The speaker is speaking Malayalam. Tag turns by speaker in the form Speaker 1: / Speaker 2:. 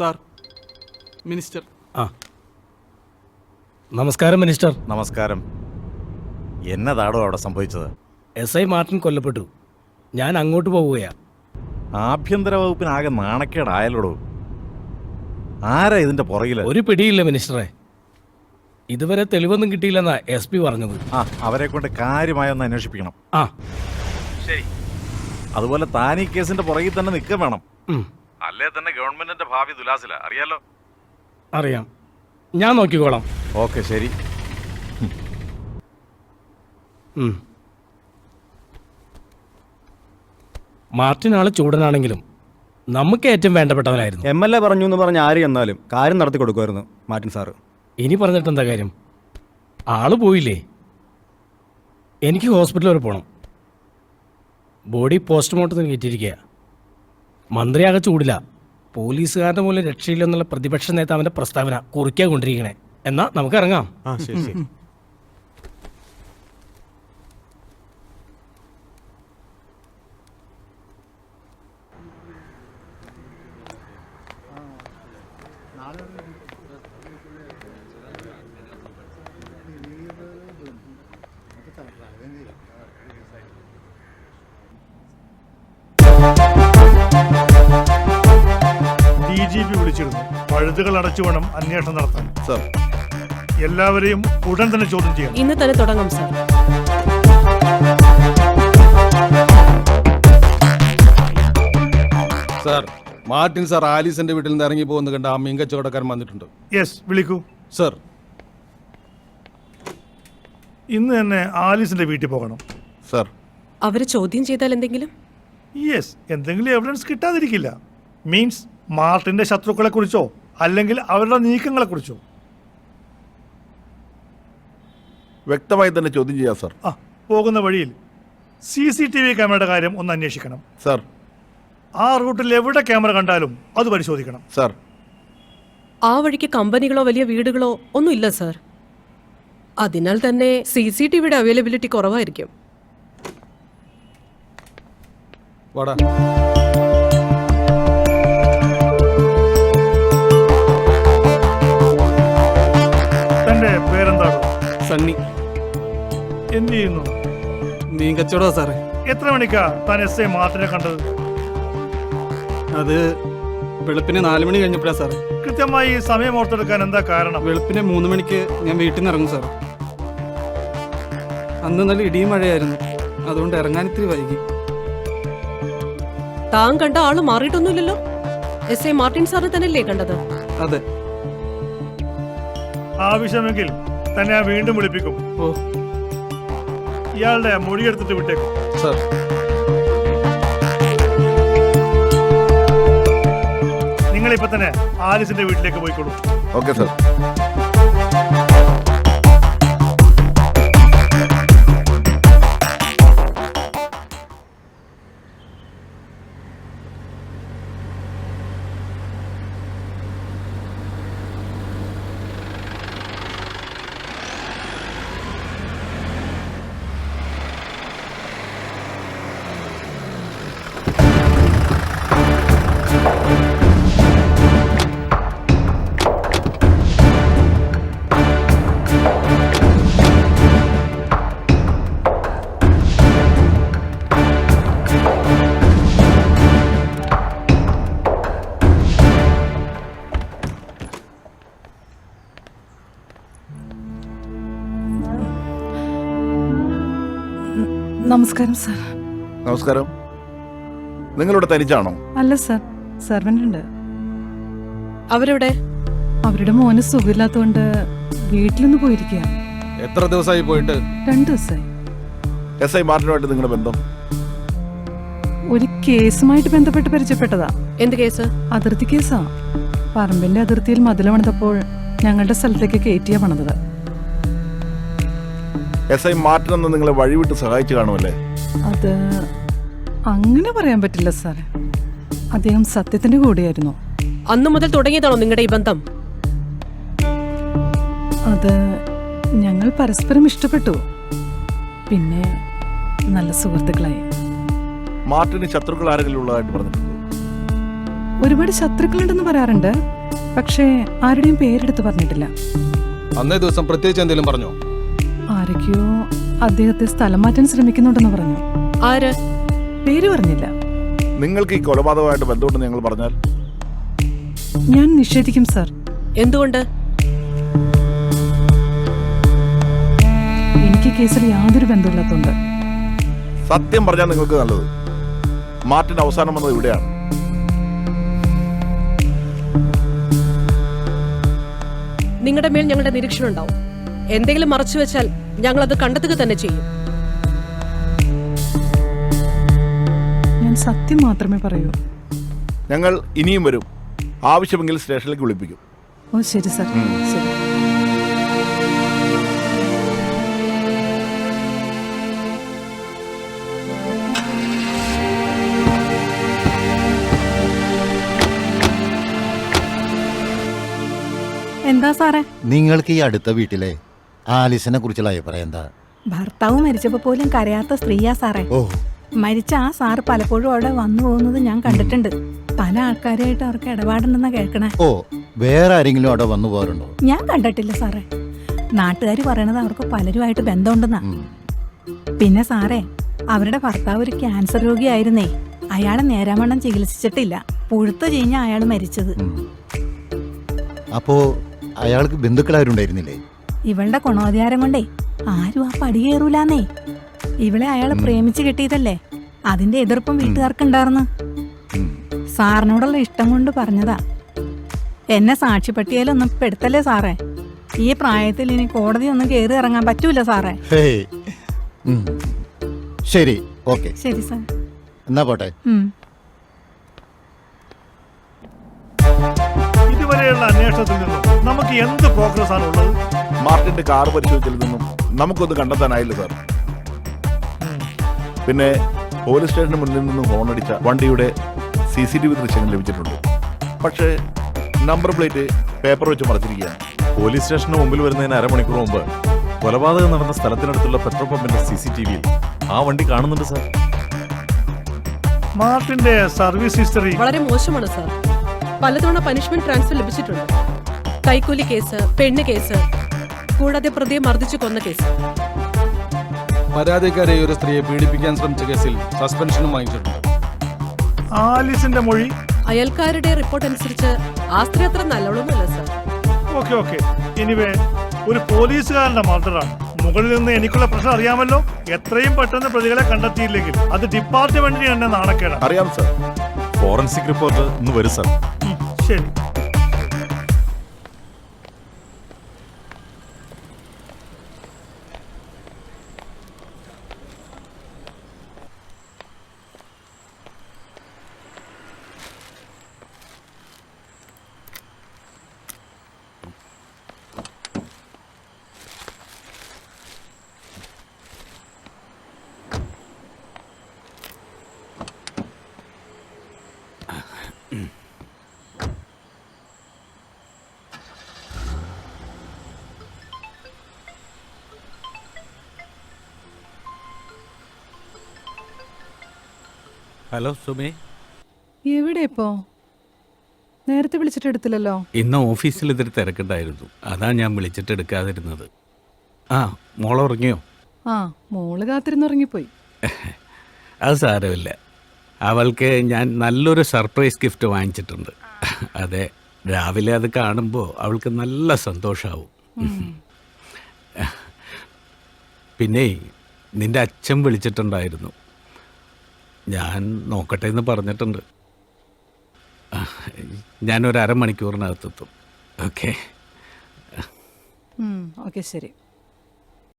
Speaker 1: Sir, minister.
Speaker 2: ആ, നമസ്കാരം മിനിസ്റ്റർ.
Speaker 3: നമസ്കാരം. എന്നതാടോ അവിടെ സംഭവിച്ചത്?
Speaker 2: SI മാർട്ടിൻ കൊല്ലപ്പെട്ടു. ഞാൻ അങ്ങോട്ട് പോവുകയാ.
Speaker 3: ആഭ്യന്തര വകുപ്പിനാകെ നാണക്കേടായാലോടോ. ആരാ ഇതിന്റെ പുറകില്?
Speaker 2: ഒരു പിടിയില്ല മിനിസ്റ്ററെ. ഇതുവരെ തെളിവൊന്നും കിട്ടിയില്ലെന്നാ SP പറഞ്ഞത്.
Speaker 3: അവരെ കൊണ്ട് കാര്യമായൊന്ന് അന്വേഷിപ്പിക്കണം.
Speaker 2: ആ
Speaker 3: ശരി. അതുപോലെ താൻ ഈ കേസിന്റെ പുറകിൽ തന്നെ നിൽക്കുക വേണം. അല്ലേ തന്നെ ഗവൺമെന്റിന്റെ ഭാവി ദുലാസില, അറിയാലോ.
Speaker 2: അറിയാം, ഞാൻ നോക്കിക്കോളാം.
Speaker 3: ഓക്കെ, ശരി.
Speaker 2: മാർട്ടിൻ ആള് ചൂടനാണെങ്കിലും നമുക്ക് ഏറ്റവും വേണ്ടപ്പെട്ടവനായിരുന്നു.
Speaker 4: MLA പറഞ്ഞു എന്ന് പറഞ്ഞ് ആര് എന്നാലും കാര്യം നടത്തി കൊടുക്കുമായിരുന്നു മാർട്ടിൻ സാറ്.
Speaker 2: ഇനി പറഞ്ഞിട്ട് എന്താ കാര്യം? ആള് പോയില്ലേ. എനിക്ക് ഹോസ്പിറ്റൽ വരെ പോകണം. ബോഡി പോസ്റ്റ്മോർട്ടത്തിന് കയറ്റിയിരിക്കുക. മന്ത്രിയാകെ ചൂടില്ല. പോലീസുകാരുടെ മൂലം രക്ഷയില്ലെന്നുള്ള പ്രതിപക്ഷ നേതാവിന്റെ പ്രസ്താവന കുറിക്കാൻ കൊണ്ടിരിക്കണേ. എന്നാ നമുക്ക് ഇറങ്ങാം.
Speaker 5: DGP വിളിച്ചിരുന്നു. പഴുതുകൾ അടച്ചു വേണം അന്വേഷണം നടത്താൻ.
Speaker 3: സർ,
Speaker 5: എല്ലാവരെയും ഉടൻ തന്നെ ചോദ്യം ചെയ്യണം.
Speaker 6: ഇന്ന് തന്നെ തുടങ്ങാം സർ.
Speaker 7: സാർ, മാർട്ടിൻ സാർ ആലീസിന്റെ വീട്ടിൽ നിന്ന് ഇറങ്ങി പോകുന്ന കണ്ട ആ മീൻ കച്ചവടക്കാരൻ വന്നിട്ടുണ്ട്.
Speaker 5: യെസ്, വിളിക്കൂ.
Speaker 7: സർ,
Speaker 5: ഇന്ന് തന്നെ ആലീസിന്റെ വീട്ടിൽ പോകണം.
Speaker 7: സർ.
Speaker 6: അവരെ ചോദ്യം ചെയ്താൽ എന്തെങ്കിലും?
Speaker 5: യെസ്, എന്തെങ്കിലും എവിഡൻസ് കിട്ടാതിരിക്കില്ല. മീൻസ് മാർട്ടിന്റെ ശത്രുക്കളെ കുറിച്ചോ അല്ലെങ്കിൽ അവരുടെ നീക്കങ്ങളെ കുറിച്ചോ
Speaker 7: വ്യക്തമായി തന്നെ ചോദ്യം ചെയ്യാം സർ.
Speaker 5: പോകുന്ന വഴിയിൽ CCTV ക്യാമറയുടെ കാര്യം ഒന്ന് അന്വേഷിക്കണം.
Speaker 7: സർ.
Speaker 5: ആ റൂട്ടിൽ എവിടെ ക്യാമറ കണ്ടാലും അത് പരിശോധിക്കണം.
Speaker 7: സർ.
Speaker 6: ആ വഴിക്ക് കമ്പനികളോ വലിയ വീടുകളോ ഒന്നും ഇല്ല സർ. അതിനാൽ തന്നെ CCTVയുടെ അവൈലബിലിറ്റി കുറവായിരിക്കും.
Speaker 7: വാടാ.
Speaker 5: തന്റെ പേരെന്താണ്?
Speaker 1: സണ്ണി.
Speaker 5: എന്ത് ചെയ്യുന്നു?
Speaker 1: മീൻ കച്ചവടോ സാറേ.
Speaker 5: എത്ര മണിക്കാ താൻ SI മാർട്ടിനെ കണ്ടത്?
Speaker 1: അത് വെളുപ്പിന് 4 മണി കഴിഞ്ഞപ്പോഴാ സാറേ.
Speaker 5: കൃത്യമായി സമയം ഓർത്തെടുക്കാൻ എന്താ കാരണം?
Speaker 1: വെളുപ്പിന് 3 മണിക്ക് ഞാൻ വീട്ടിൽ നിന്ന് ഇറങ്ങും സാർ. അന്ന് നല്ല ഇടിയും മഴയായിരുന്നു, അതുകൊണ്ട് ഇറങ്ങാൻ ഇത്തിരി വൈകി.
Speaker 6: താൻ കണ്ട ആള് മാറിയിട്ടൊന്നുമില്ലല്ലോ. SI മാർട്ടിൻ സാറ് തന്നെയല്ലേ കണ്ടത്?
Speaker 1: അതെ.
Speaker 5: ആവശ്യമെങ്കിൽ തന്നെ ഞാൻ വീണ്ടും വിളിപ്പിക്കും.
Speaker 1: ഓ,
Speaker 5: ഇയാളുടെ മൊഴിയെടുത്തിട്ട് വിട്ടേക്കും.
Speaker 7: സർ.
Speaker 5: നിങ്ങളിപ്പോ തന്നെ ആലിസിന്റെ വീട്ടിലേക്ക് പോയിക്കോളൂ.
Speaker 7: Okay sir.
Speaker 8: നമസ്കാരം സാർ.
Speaker 7: നമസ്കാരം. നിങ്ങളിവിടെ തനിച്ചാണോ?
Speaker 8: അല്ല സാർ, സെർവൻ്റ് ഉണ്ട്.
Speaker 6: അവരെവിടെ?
Speaker 8: അവരുടെ മോന് സുഖമില്ലാത്തതുകൊണ്ട് വീട്ടിലൊന്ന് പോയിരിക്കുക.
Speaker 7: എത്ര ദിവസമായി പോയിട്ട്?
Speaker 8: 2 ദിവസമായി.
Speaker 7: SI മാർട്ടിനുമായിട്ട് നിങ്ങളുടെ ബന്ധം?
Speaker 8: ഒരു കേസുമായിട്ട് ബന്ധപ്പെട്ട് പരിചയപ്പെട്ടതാ.
Speaker 6: എന്ത് കേസ്?
Speaker 8: അതിർത്തി കേസാ. പറമ്പിന്റെ അതിർത്തിയിൽ മതിൽ പണിതപ്പോൾ ഞങ്ങളുടെ സ്ഥലത്തേക്ക് കയറ്റിയാ പണിതത്.
Speaker 7: SI മാർട്ടിൻ എന്ന് നിങ്ങളെ വഴിവിട്ട് സഹായിച്ചു കാണുമല്ലേ?
Speaker 8: അത് അങ്ങനെ പറയാൻ പറ്റില്ല സാറേ. അദ്ദേഹം സത്യത്തിന്റെ കൂടെയായിരുന്നു.
Speaker 6: അന്നു മുതൽ തുടങ്ങിയതാണോ നിങ്ങളുടെ ഈ ബന്ധം?
Speaker 8: അത് ഞങ്ങൾ പരസ്പരം ഇഷ്ടപ്പെട്ടു. പിന്നെ നല്ല സുഹൃത്തുക്കളായി.
Speaker 7: മാർട്ടിന് ശത്രുക്കൾ ആരെങ്കിലും ഉള്ളതായിട്ട് പറഞ്ഞിട്ടുണ്ടോ?
Speaker 8: ഒരുപാട് ശത്രുക്കളുണ്ടെന്ന് പറയാറുണ്ട്, പക്ഷേ ആരുടെയും പേരെടുത്ത് പറഞ്ഞിട്ടില്ല.
Speaker 7: അന്നേ ദിവസം പ്രത്യേകിച്ച് എന്തെങ്കിലും പറഞ്ഞോ?
Speaker 8: ആരൊക്കെയോ അദ്ദേഹത്തെ സ്ഥലം മാറ്റാൻ ശ്രമിക്കുന്നുണ്ടെന്ന് പറഞ്ഞു.
Speaker 6: ആര്?
Speaker 8: പേര് പറഞ്ഞില്ല.
Speaker 9: നിങ്ങൾക്ക് ഈ കൊലപാതകമായിട്ട് ബന്ധമുണ്ടെന്ന് ഞങ്ങൾ പറഞ്ഞാൽ
Speaker 8: ഞാൻ നിഷേധിക്കും സർ.
Speaker 6: എന്തുകൊണ്ട്?
Speaker 8: എനിക്ക് കേസിൽ യാതൊരു ബന്ധമില്ലാത്തതുകൊണ്ട്.
Speaker 9: സത്യം പറഞ്ഞാൽ നിങ്ങൾക്ക് നല്ലത്. മാർട്ടിൻ അവസാനം വന്നത് ഇവിടെയാണ്.
Speaker 6: നിങ്ങളുടെ മേൽ ഞങ്ങളുടെ നിരീക്ഷണം ഉണ്ടാവും. എന്തെങ്കിലും മറച്ചു വെച്ചാൽ ഞങ്ങൾ അത് കണ്ടെത്തുക തന്നെ ചെയ്യും.
Speaker 8: ഞാൻ സത്യം മാത്രമേ പറയൂ.
Speaker 9: ഞങ്ങൾ ഇനിയും വരും. ആവശ്യമെങ്കിൽ സ്റ്റേഷനിലേക്ക് വിളിപ്പിക്കും.
Speaker 8: ഓ ശരി സർ, ശരി.
Speaker 10: എന്താ സാറേ?
Speaker 11: നിങ്ങൾക്ക് ഈ അടുത്ത വീട്ടിലെ ആലിസിനെ കുറിച്ചുള്ള അഭിപ്രായം എന്താ?
Speaker 10: ഭർത്താവ് മരിച്ചപ്പോ പോലും കരയാത്ത സ്ത്രീയാ സാറേ.
Speaker 11: ഓ,
Speaker 10: മരിച്ച ആ സാറ് പലപ്പോഴും അവിടെ വന്നു പോകുന്നത് ഞാൻ കണ്ടിട്ടുണ്ട്. പല ആൾക്കാരായിട്ട് അവർക്ക് ഇടപാടുണ്ടെന്നാ കേൾക്കണേ.
Speaker 11: ഓ, വേറെ ആരെങ്കിലും അവിടെ വന്നു പോകാറുണ്ടോ?
Speaker 10: ഞാൻ കണ്ടിട്ടില്ല സാറേ. നാട്ടുകാർ പറയണത് അവർക്ക് പലരുമായിട്ട് ബന്ധമുണ്ടെന്നാ.
Speaker 11: ഉം.
Speaker 10: പിന്നെ സാറേ, അവരുടെ ഭർത്താവ് ഒരു ക്യാൻസർ രോഗിയായിരുന്നേ. അയാളെ നേരാവണ്ണം ചികിത്സിച്ചിട്ടില്ല. പുഴുത്തു കഴിഞ്ഞ അയാൾ മരിച്ചത്.
Speaker 11: ഉം. അപ്പോ അയാൾക്ക് ബന്ധുക്കളാരുണ്ടായിരുന്നില്ലേ?
Speaker 10: ഇവളുടെ ഗുണോദ്ധാരം കൊണ്ടേ ആരും ആ പടി കയറൂലാന്നേ. ഇവളെ അയാളെ പ്രേമിച്ച് കിട്ടിയതല്ലേ, അതിന്റെ എതിർപ്പും വീട്ടുകാർക്കുണ്ടായിരുന്നു.
Speaker 11: ഉം.
Speaker 10: സാറിനോടുള്ള ഇഷ്ടം കൊണ്ട് പറഞ്ഞതാ. എന്നെ സാക്ഷിപ്പട്ടികയിലൊന്നും പെടുത്തല്ലേ സാറേ. ഈ പ്രായത്തിൽ ഇനി കോടതി ഒന്നും കയറി ഇറങ്ങാൻ പറ്റൂല സാറേ.
Speaker 11: ഹേയ്. ഉം. ശരി, ഓക്കെ,
Speaker 10: ശരി സാർ.
Speaker 11: എന്നാ പോട്ടെ.
Speaker 5: ഇതുവരെയുള്ള അന്വേഷണത്തിൽ നിന്നും നമുക്ക് എന്ത് പ്രോഗ്രസ് ആണ് ഉള്ളത്?
Speaker 9: മാർട്ടിന്റെ കാർ പരിശോധിച്ചതിൽ നിന്നും നമുക്കൊന്നും കണ്ടെത്താനായില്ല സാർ. പിന്നെ പോലീസ് സ്റ്റേഷന് മുന്നിൽ നിന്നും ഹോണടിച്ച വണ്ടിയുടെ CCTV ദൃശ്യങ്ങൾ ലഭിച്ചിട്ടുണ്ട്. പക്ഷേ നമ്പർ പ്ലേറ്റ് പേപ്പർ വെച്ച് മറച്ചിരിക്കുകയാണ്.
Speaker 3: പോലീസ് സ്റ്റേഷന് മുമ്പിൽ വരുന്നതിന് അരമണിക്കൂർ മുമ്പ് കൊലപാതകം നടന്ന സ്ഥലത്തിനടുത്തുള്ള പെട്രോൾ പമ്പിന്റെ CCTV-യിൽ ആ വണ്ടി കാണുന്നുണ്ട് സാർ.
Speaker 5: മാർട്ടിന്റെ സർവീസ് ഹിസ്റ്ററി
Speaker 6: വളരെ മോശമാണ് സാർ. പലതവണ പനിഷ്മെന്റ് ട്രാൻസ്ഫർ ലഭിച്ചിട്ടുണ്ട്. കൈക്കൂലി കേസ്, പെണ്ണ് കേസ്, കൂടാതെ പ്രതിയെ മർദ്ദിച്ചു കൊന്ന കേസ്.
Speaker 7: പരാതിക്കാരെ ഒരു സ്ത്രീയെ പീഡിപ്പിക്കാൻ ശ്രമിച്ച കേസിൽ സസ്പെൻഷനും വാങ്ങിച്ചിട്ടുണ്ട്.
Speaker 5: ആലിസിന്റെ മൊഴി
Speaker 6: അയൽക്കാരുടെ റിപ്പോർട്ട് അനുസരിച്ച് ആ സ്ത്രീ അത്ര നല്ലോണമല്ല സാർ.
Speaker 5: ഓക്കെ. എനിവേ, ഒരു പോലീസുകാരന്റെ മർഡറാണ്. മുകളിൽ നിന്ന് എനിക്കുള്ള പ്രശ്നം അറിയാമല്ലോ. എത്രയും പെട്ടെന്ന് പ്രതികളെ കണ്ടെത്തിയില്ലെങ്കിൽ അത് ഡിപ്പാർട്ട്മെന്റിന് തന്നെ നാണക്കേടാണ്.
Speaker 9: അറിയാം സാർ.
Speaker 3: ഫോറൻസിക് റിപ്പോർട്ട് ഇന്ന് വരും സാർ.
Speaker 5: ശരി.
Speaker 12: ഹലോ സുമേ,
Speaker 8: എവിടെ ഇപ്പോ? നേരത്തെ വിളിച്ചിട്ട് എടുത്തില്ലല്ലോ.
Speaker 12: ഇന്ന് ഓഫീസിൽ ഇതൊരു തിരക്കുണ്ടായിരുന്നു, അതാ ഞാൻ വിളിച്ചിട്ട് എടുക്കാതിരുന്നത്. ആ, മോളെ ഉറങ്ങിയോ?
Speaker 8: ആ, മോള് കാത്തിരുന്നുറങ്ങിപ്പോയി.
Speaker 12: അത് സാരമില്ല. അവൾക്ക് ഞാൻ നല്ലൊരു സർപ്രൈസ് ഗിഫ്റ്റ് വാങ്ങിച്ചിട്ടുണ്ട്. അതെ, രാവിലെ അത് കാണുമ്പോൾ അവൾക്ക് നല്ല സന്തോഷമാവും. പിന്നെ നിന്റെ അച്ഛൻ വിളിച്ചിട്ടുണ്ടായിരുന്നു. ഞാൻ നോക്കട്ടെ എന്ന് പറഞ്ഞിട്ടുണ്ട്. ഞാനൊരു അരമണിക്കൂറിനകത്തെത്തും. ഓക്കെ.
Speaker 8: ഓക്കെ, ശരി.